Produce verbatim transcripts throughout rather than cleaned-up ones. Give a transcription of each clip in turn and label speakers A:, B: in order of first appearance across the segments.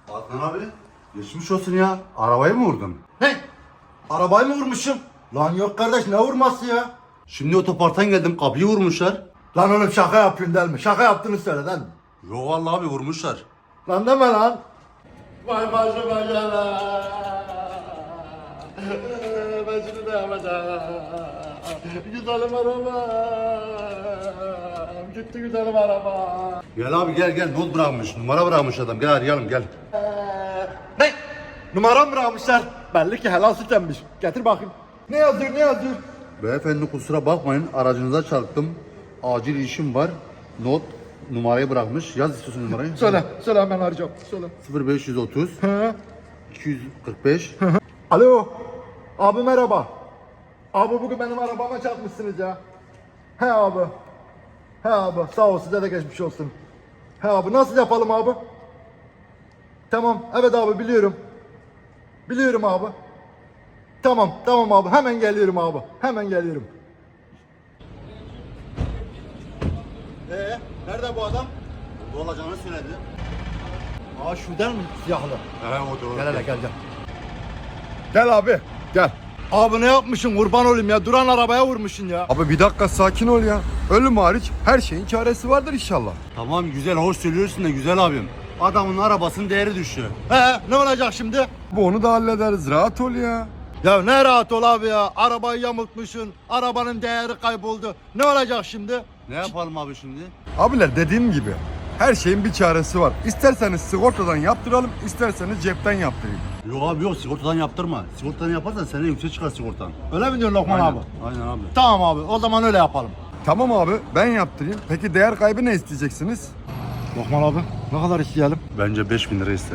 A: Adnan abi, geçmiş olsun ya. Arabayı mı vurdun?
B: Ne? Arabayı mı vurmuşum? Lan yok kardeş, ne vurması ya?
A: Şimdi otoparktan geldim, kapıyı vurmuşlar.
B: Lan oğlum şaka yapıyorsun değil mi? Şaka yaptığını söyle değil mi?
A: Yo vallahi abi vurmuşlar.
B: Lan deme lan. Vay başıma gelen. Ben şimdi ne yapacağım? Güzelim arabam. Gitti güzelim arabam.
A: Gel abi gel gel, not bırakmış, numara bırakmış adam. Gel arayalım gel.
B: Ne? Numaram bırakmışlar. Belli ki helal süt emmiş. Getir bakayım. Ne yazıyor ne yazıyor?
A: Beyefendi kusura bakmayın, aracınıza çarptım. Acil işim var. Not numarayı bırakmış. Yaz istiyorsun numarayı.
B: Söyle, söyle hemen arayacağım. Söyle.
A: sıfır beş otuz
B: Hı.
A: iki yüz kırk beş.
B: Alo. Abi merhaba. Abi bugün benim arabama çarpmışsınız ya. He abi. He abi sağ ol, size de geçmiş olsun. He abi nasıl yapalım abi? Tamam evet abi biliyorum. Biliyorum abi. Tamam tamam abi hemen geliyorum abi. Hemen geliyorum. Ee nerede bu adam?
A: Ne olacağını söyledi.
B: Aa şuradan mı siyahlı?
A: He o doğru.
B: Gel hele gel gel. Gel abi gel. Abi ne yapmışsın kurban olayım ya, duran arabaya vurmuşsun ya.
C: Abi bir dakika sakin ol ya. Ölüm hariç her şeyin çaresi vardır inşallah.
A: Tamam güzel, hoş söylüyorsun da güzel abim. Adamın arabasının değeri düştü.
B: He ne olacak şimdi?
C: Bu onu da hallederiz. Rahat ol ya.
B: Ya ne rahat ol abi ya, arabayı yamultmuşsun, arabanın değeri kayboldu. Ne olacak şimdi?
A: Ne yapalım abi şimdi?
C: Abiler dediğim gibi her şeyin bir çaresi var. İsterseniz sigortadan yaptıralım, isterseniz cepten yaptırayım.
A: Yok abi yok, sigortadan yaptırma. Sigortadan yaparsan sene yüksek çıkar sigortan.
B: Öyle mi diyorsun Lokman abi?
A: Aynen abi.
B: Tamam abi, o zaman öyle yapalım.
C: Tamam abi ben yaptırayım. Peki değer kaybı ne isteyeceksiniz?
B: Lokman abi, ne kadar isteyelim?
A: Bence beş bin lira ister.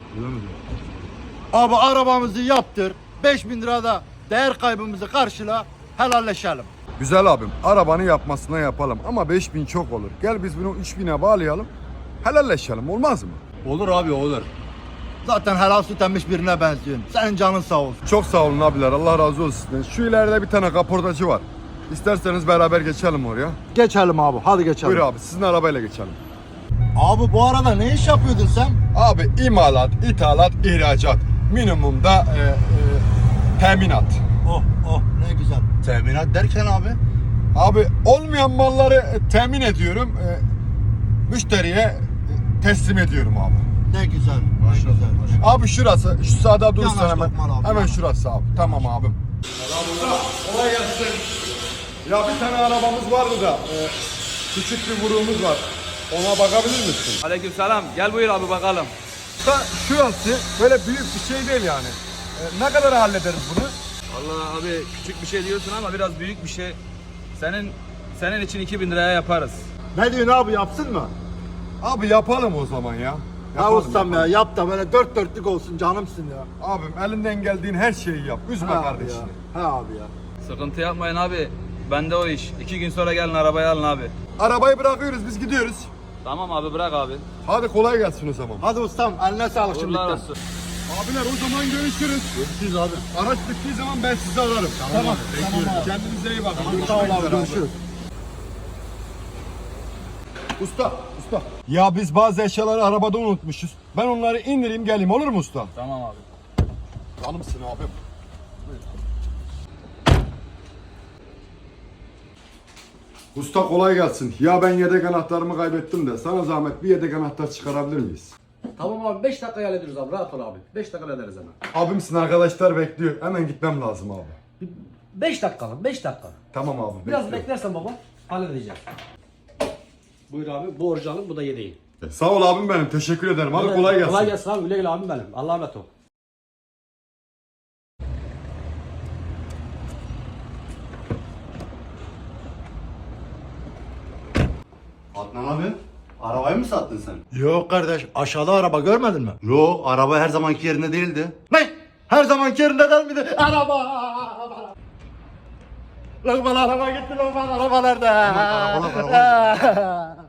B: Abi arabamızı yaptır, beş bin lirada değer kaybımızı karşıla, helalleşelim.
C: Güzel abim arabanı yapmasına yapalım ama beş bin çok olur. Gel biz bunu üç bine bağlayalım. Helalleşelim olmaz mı?
A: Olur abi olur.
B: Zaten helal süt emmiş birine benziyorsun. Senin canın sağ olsun.
C: Çok sağ olun abiler Allah razı olsun sizden. Şu ileride bir tane kaportacı var. İsterseniz beraber geçelim oraya.
B: Geçelim abi, hadi geçelim.
C: Buyur abi sizin arabayla geçelim.
B: Abi bu arada ne iş yapıyordun sen?
C: Abi imalat, ithalat, ihracat. Minimumda e, e, teminat.
B: Oh oh ne güzel.
A: Teminat derken abi?
C: Abi olmayan malları e, temin ediyorum. E, müşteriye e, teslim ediyorum abi.
B: Ne güzel, ne
A: Maşallah,
B: güzel.
A: maşallah.
C: Abi şurası, şu sağda durursan
B: Yanaş
C: hemen.
B: Lokman abi,
C: Hemen
B: yanaş.
C: şurası abi. Tamam abim. Kolay gelsin. Ya bir tane arabamız vardı da e, küçük bir vuruğumuz var. Ona bakabilir misin?
D: Aleykümselam. Gel buyur abi bakalım.
C: Da şurası böyle büyük bir şey değil yani. E, ne kadar hallederiz bunu?
D: Vallahi abi küçük bir şey diyorsun ama biraz büyük bir şey. Senin senin için iki bin liraya yaparız.
B: Ne diyorsun abi, yapsın mı?
C: Abi yapalım o zaman ya.
B: Ya
C: Yapalım,
B: ustam ya,
C: yapalım.
B: yap da böyle dört dörtlük olsun, canımsın ya.
C: Abim elinden geldiğin her şeyi yap. Üzme
B: He abi
C: kardeşini.
B: ya. He abi ya.
D: Sıkıntı yapmayın abi. Bende o iş. İki gün sonra gelin arabayı alın abi.
C: Arabayı bırakıyoruz biz gidiyoruz.
D: Tamam abi bırak abi.
C: Hadi kolay gelsin o zaman.
B: Hadi ustam, eline sağlık
D: Uğurlar
B: şimdiden.
D: olsun.
C: Abiler o zaman görüşürüz.
B: Görüşürüz abi.
C: Araç bittiği zaman ben sizi ararım.
B: Tamam, tamam abi.
C: Kendinize iyi bakın.
B: Sağ ol
C: Görüşmek
B: abi,
C: üzere
B: görüşürüz.
C: Usta, usta. Ya biz bazı eşyaları arabada unutmuşuz. Ben onları indireyim geleyim olur mu usta?
D: Tamam abi.
C: Canımsın abim. Usta kolay gelsin. Ya ben yedek anahtarımı kaybettim de sana zahmet bir yedek anahtar çıkarabilir miyiz?
E: Tamam abi, beş dakika hallederiz abi, rahat ol abi. beş dakika hallederiz hemen.
C: Abimsin arkadaşlar bekliyor. Hemen gitmem lazım abi.
E: beş dakika, beş dakika.
C: Tamam abi.
E: Biraz
C: bekliyorum.
E: beklersen baba, halledeceğim. Buyur abi, bu orijinalin, bu da yedeğin.
C: Sağ ol abim benim. Teşekkür ederim. Hadi kolay gelsin.
E: Kolay gelsin abi, güle güle abim benim. Allah'a emanet ol.
A: Adnan abi, arabayı mı sattın sen?
B: Yok kardeş, aşağıda araba görmedin mi?
A: Yok, araba her zamanki yerinde değildi.
B: Ne? Her zamanki yerinde değil miydi? Araba! Lokman araba gitti, Lokman araba nerede?
A: arabalar, arabalar.